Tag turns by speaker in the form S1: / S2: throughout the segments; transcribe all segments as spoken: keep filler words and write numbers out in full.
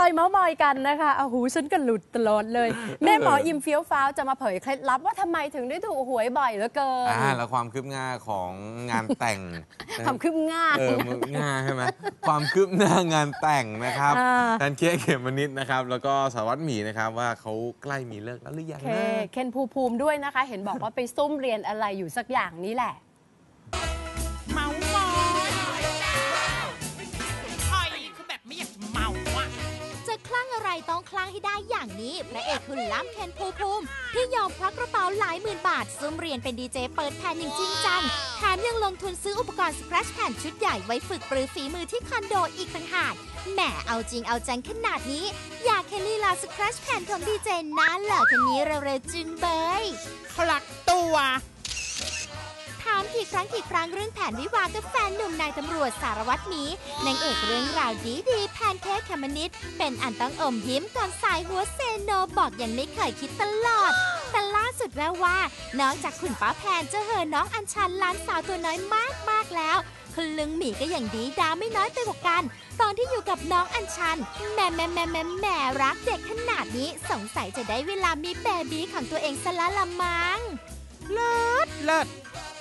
S1: เมาส์มอยกันนะคะเอาหูฉันก็หลุดตลอดเลยแม่หมออิมเฟี้ยวฟ้าวจะมาเผยเคล็ดลับว่าทำไมถึงได้ถูกหวยบ่อยเหลือเกิน
S2: อ่าแล้วความคืบหน้าของงานแต่ง
S1: ความคืบหน้า
S2: เออง่าใช่ไหมความคืบหน้างานแต่งนะครับแพนเค้กเขมมนิดนะครับแล้วก็สารวัตรหมีนะครับว่าเขาใกล้มีเลิกแล้วหรือยังนะ
S1: เคนภูมิภูมิด้วยนะคะเห็นบอกว่าไปซุ่มเรียนอะไรอยู่สักอย่างนี้แหละ
S3: เมาหมอยหอยคือแบบไม่อยากจะเมาอ่ะ
S4: จะคลั่งอะไรต้องคลั่งให้ได้อย่างนี้พระเอกคุณล้ำเคนภูมิภูมิที่ยอมควักกระเป๋าหลายหมื่นบาทซุ่มเรียนเป็นดีเจเปิดแผ่นอย่างจริงจังแถมยังลงทุนซื้ออุปกรณ์สแครชแผ่นชุดใหญ่ไว้ฝึกปรือฝีมือที่คอนโดอีกต่างหากแหมเอาจริงเอาจังขนาดนี้อยากเห็นลีลาสแครชแผ่นของดีเจน่าเหล่อคนนี้เร็วๆจึงเบย
S3: พลักตัว
S4: ถามกี่ครั้งกี่ครั้งเรื่องแผนวิวากับแฟนหนุ่มนายตำรวจสารวัตรหมีนางเอกเรื่องราวดีดีแพนเค้กเขมมนิดเป็นอันต้องอมยิ้มก่อนสายหัวเซโนบอกยังไม่เคยคิดตลอดแต่ล่าสุดแววว่านอกจากคุณป้าแพนจะเหอน้องอัญชันล้านสาวตัวน้อยมากมากแล้วคุณลุงหมีก็อย่างดีดาไม่น้อยไปกว่ากันตอนที่อยู่กับน้องอัญชันแม่แม่แม่แม่แม่รักเด็กขนาดนี้สงสัยจะได้เวลามีเบบีของตัวเองซะละละมั้ง
S3: เลิศเลิศ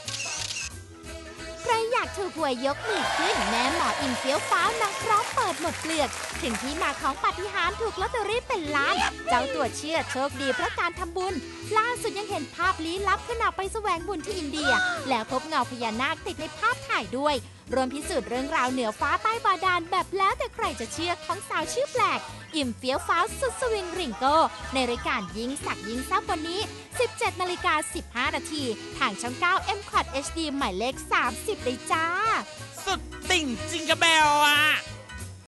S4: ใครอยากถูกหวยยกมือขึ้นแม่หมออิมเฟี้ยวฟ้าวนางพร้อมเปิดหมดเปลือกถึงที่มาของปาฏิหาริย์ถูกลอตเตอรี่เป็นล้านเจ้าตัวเชื่อโชคดีเพราะการทำบุญล่าสุดยังเห็นภาพลี้ลับขณะไปแสวงบุญที่อินเดียแล้วพบเงาพญานาคติดในภาพถ่ายด้วยรวมพิสูจน์เรื่องราวเหนือฟ้าใต้บาดาลแบบแล้วแต่ใครจะเชื่อของสาวชื่อแปลกอิ่มเฟี้ยวฟ้าวสุดสวิงริงโก้ในรายการยิงสักยิงซับวันนี้ สิบเจ็ดนาฬิกาสิบห้านาทีทางช่องเก้า เอ็ม คอท เอช ดี หมายเลขสามสิบเลยจ้า
S3: สุดติ่งจิงกะเบลอ่ะ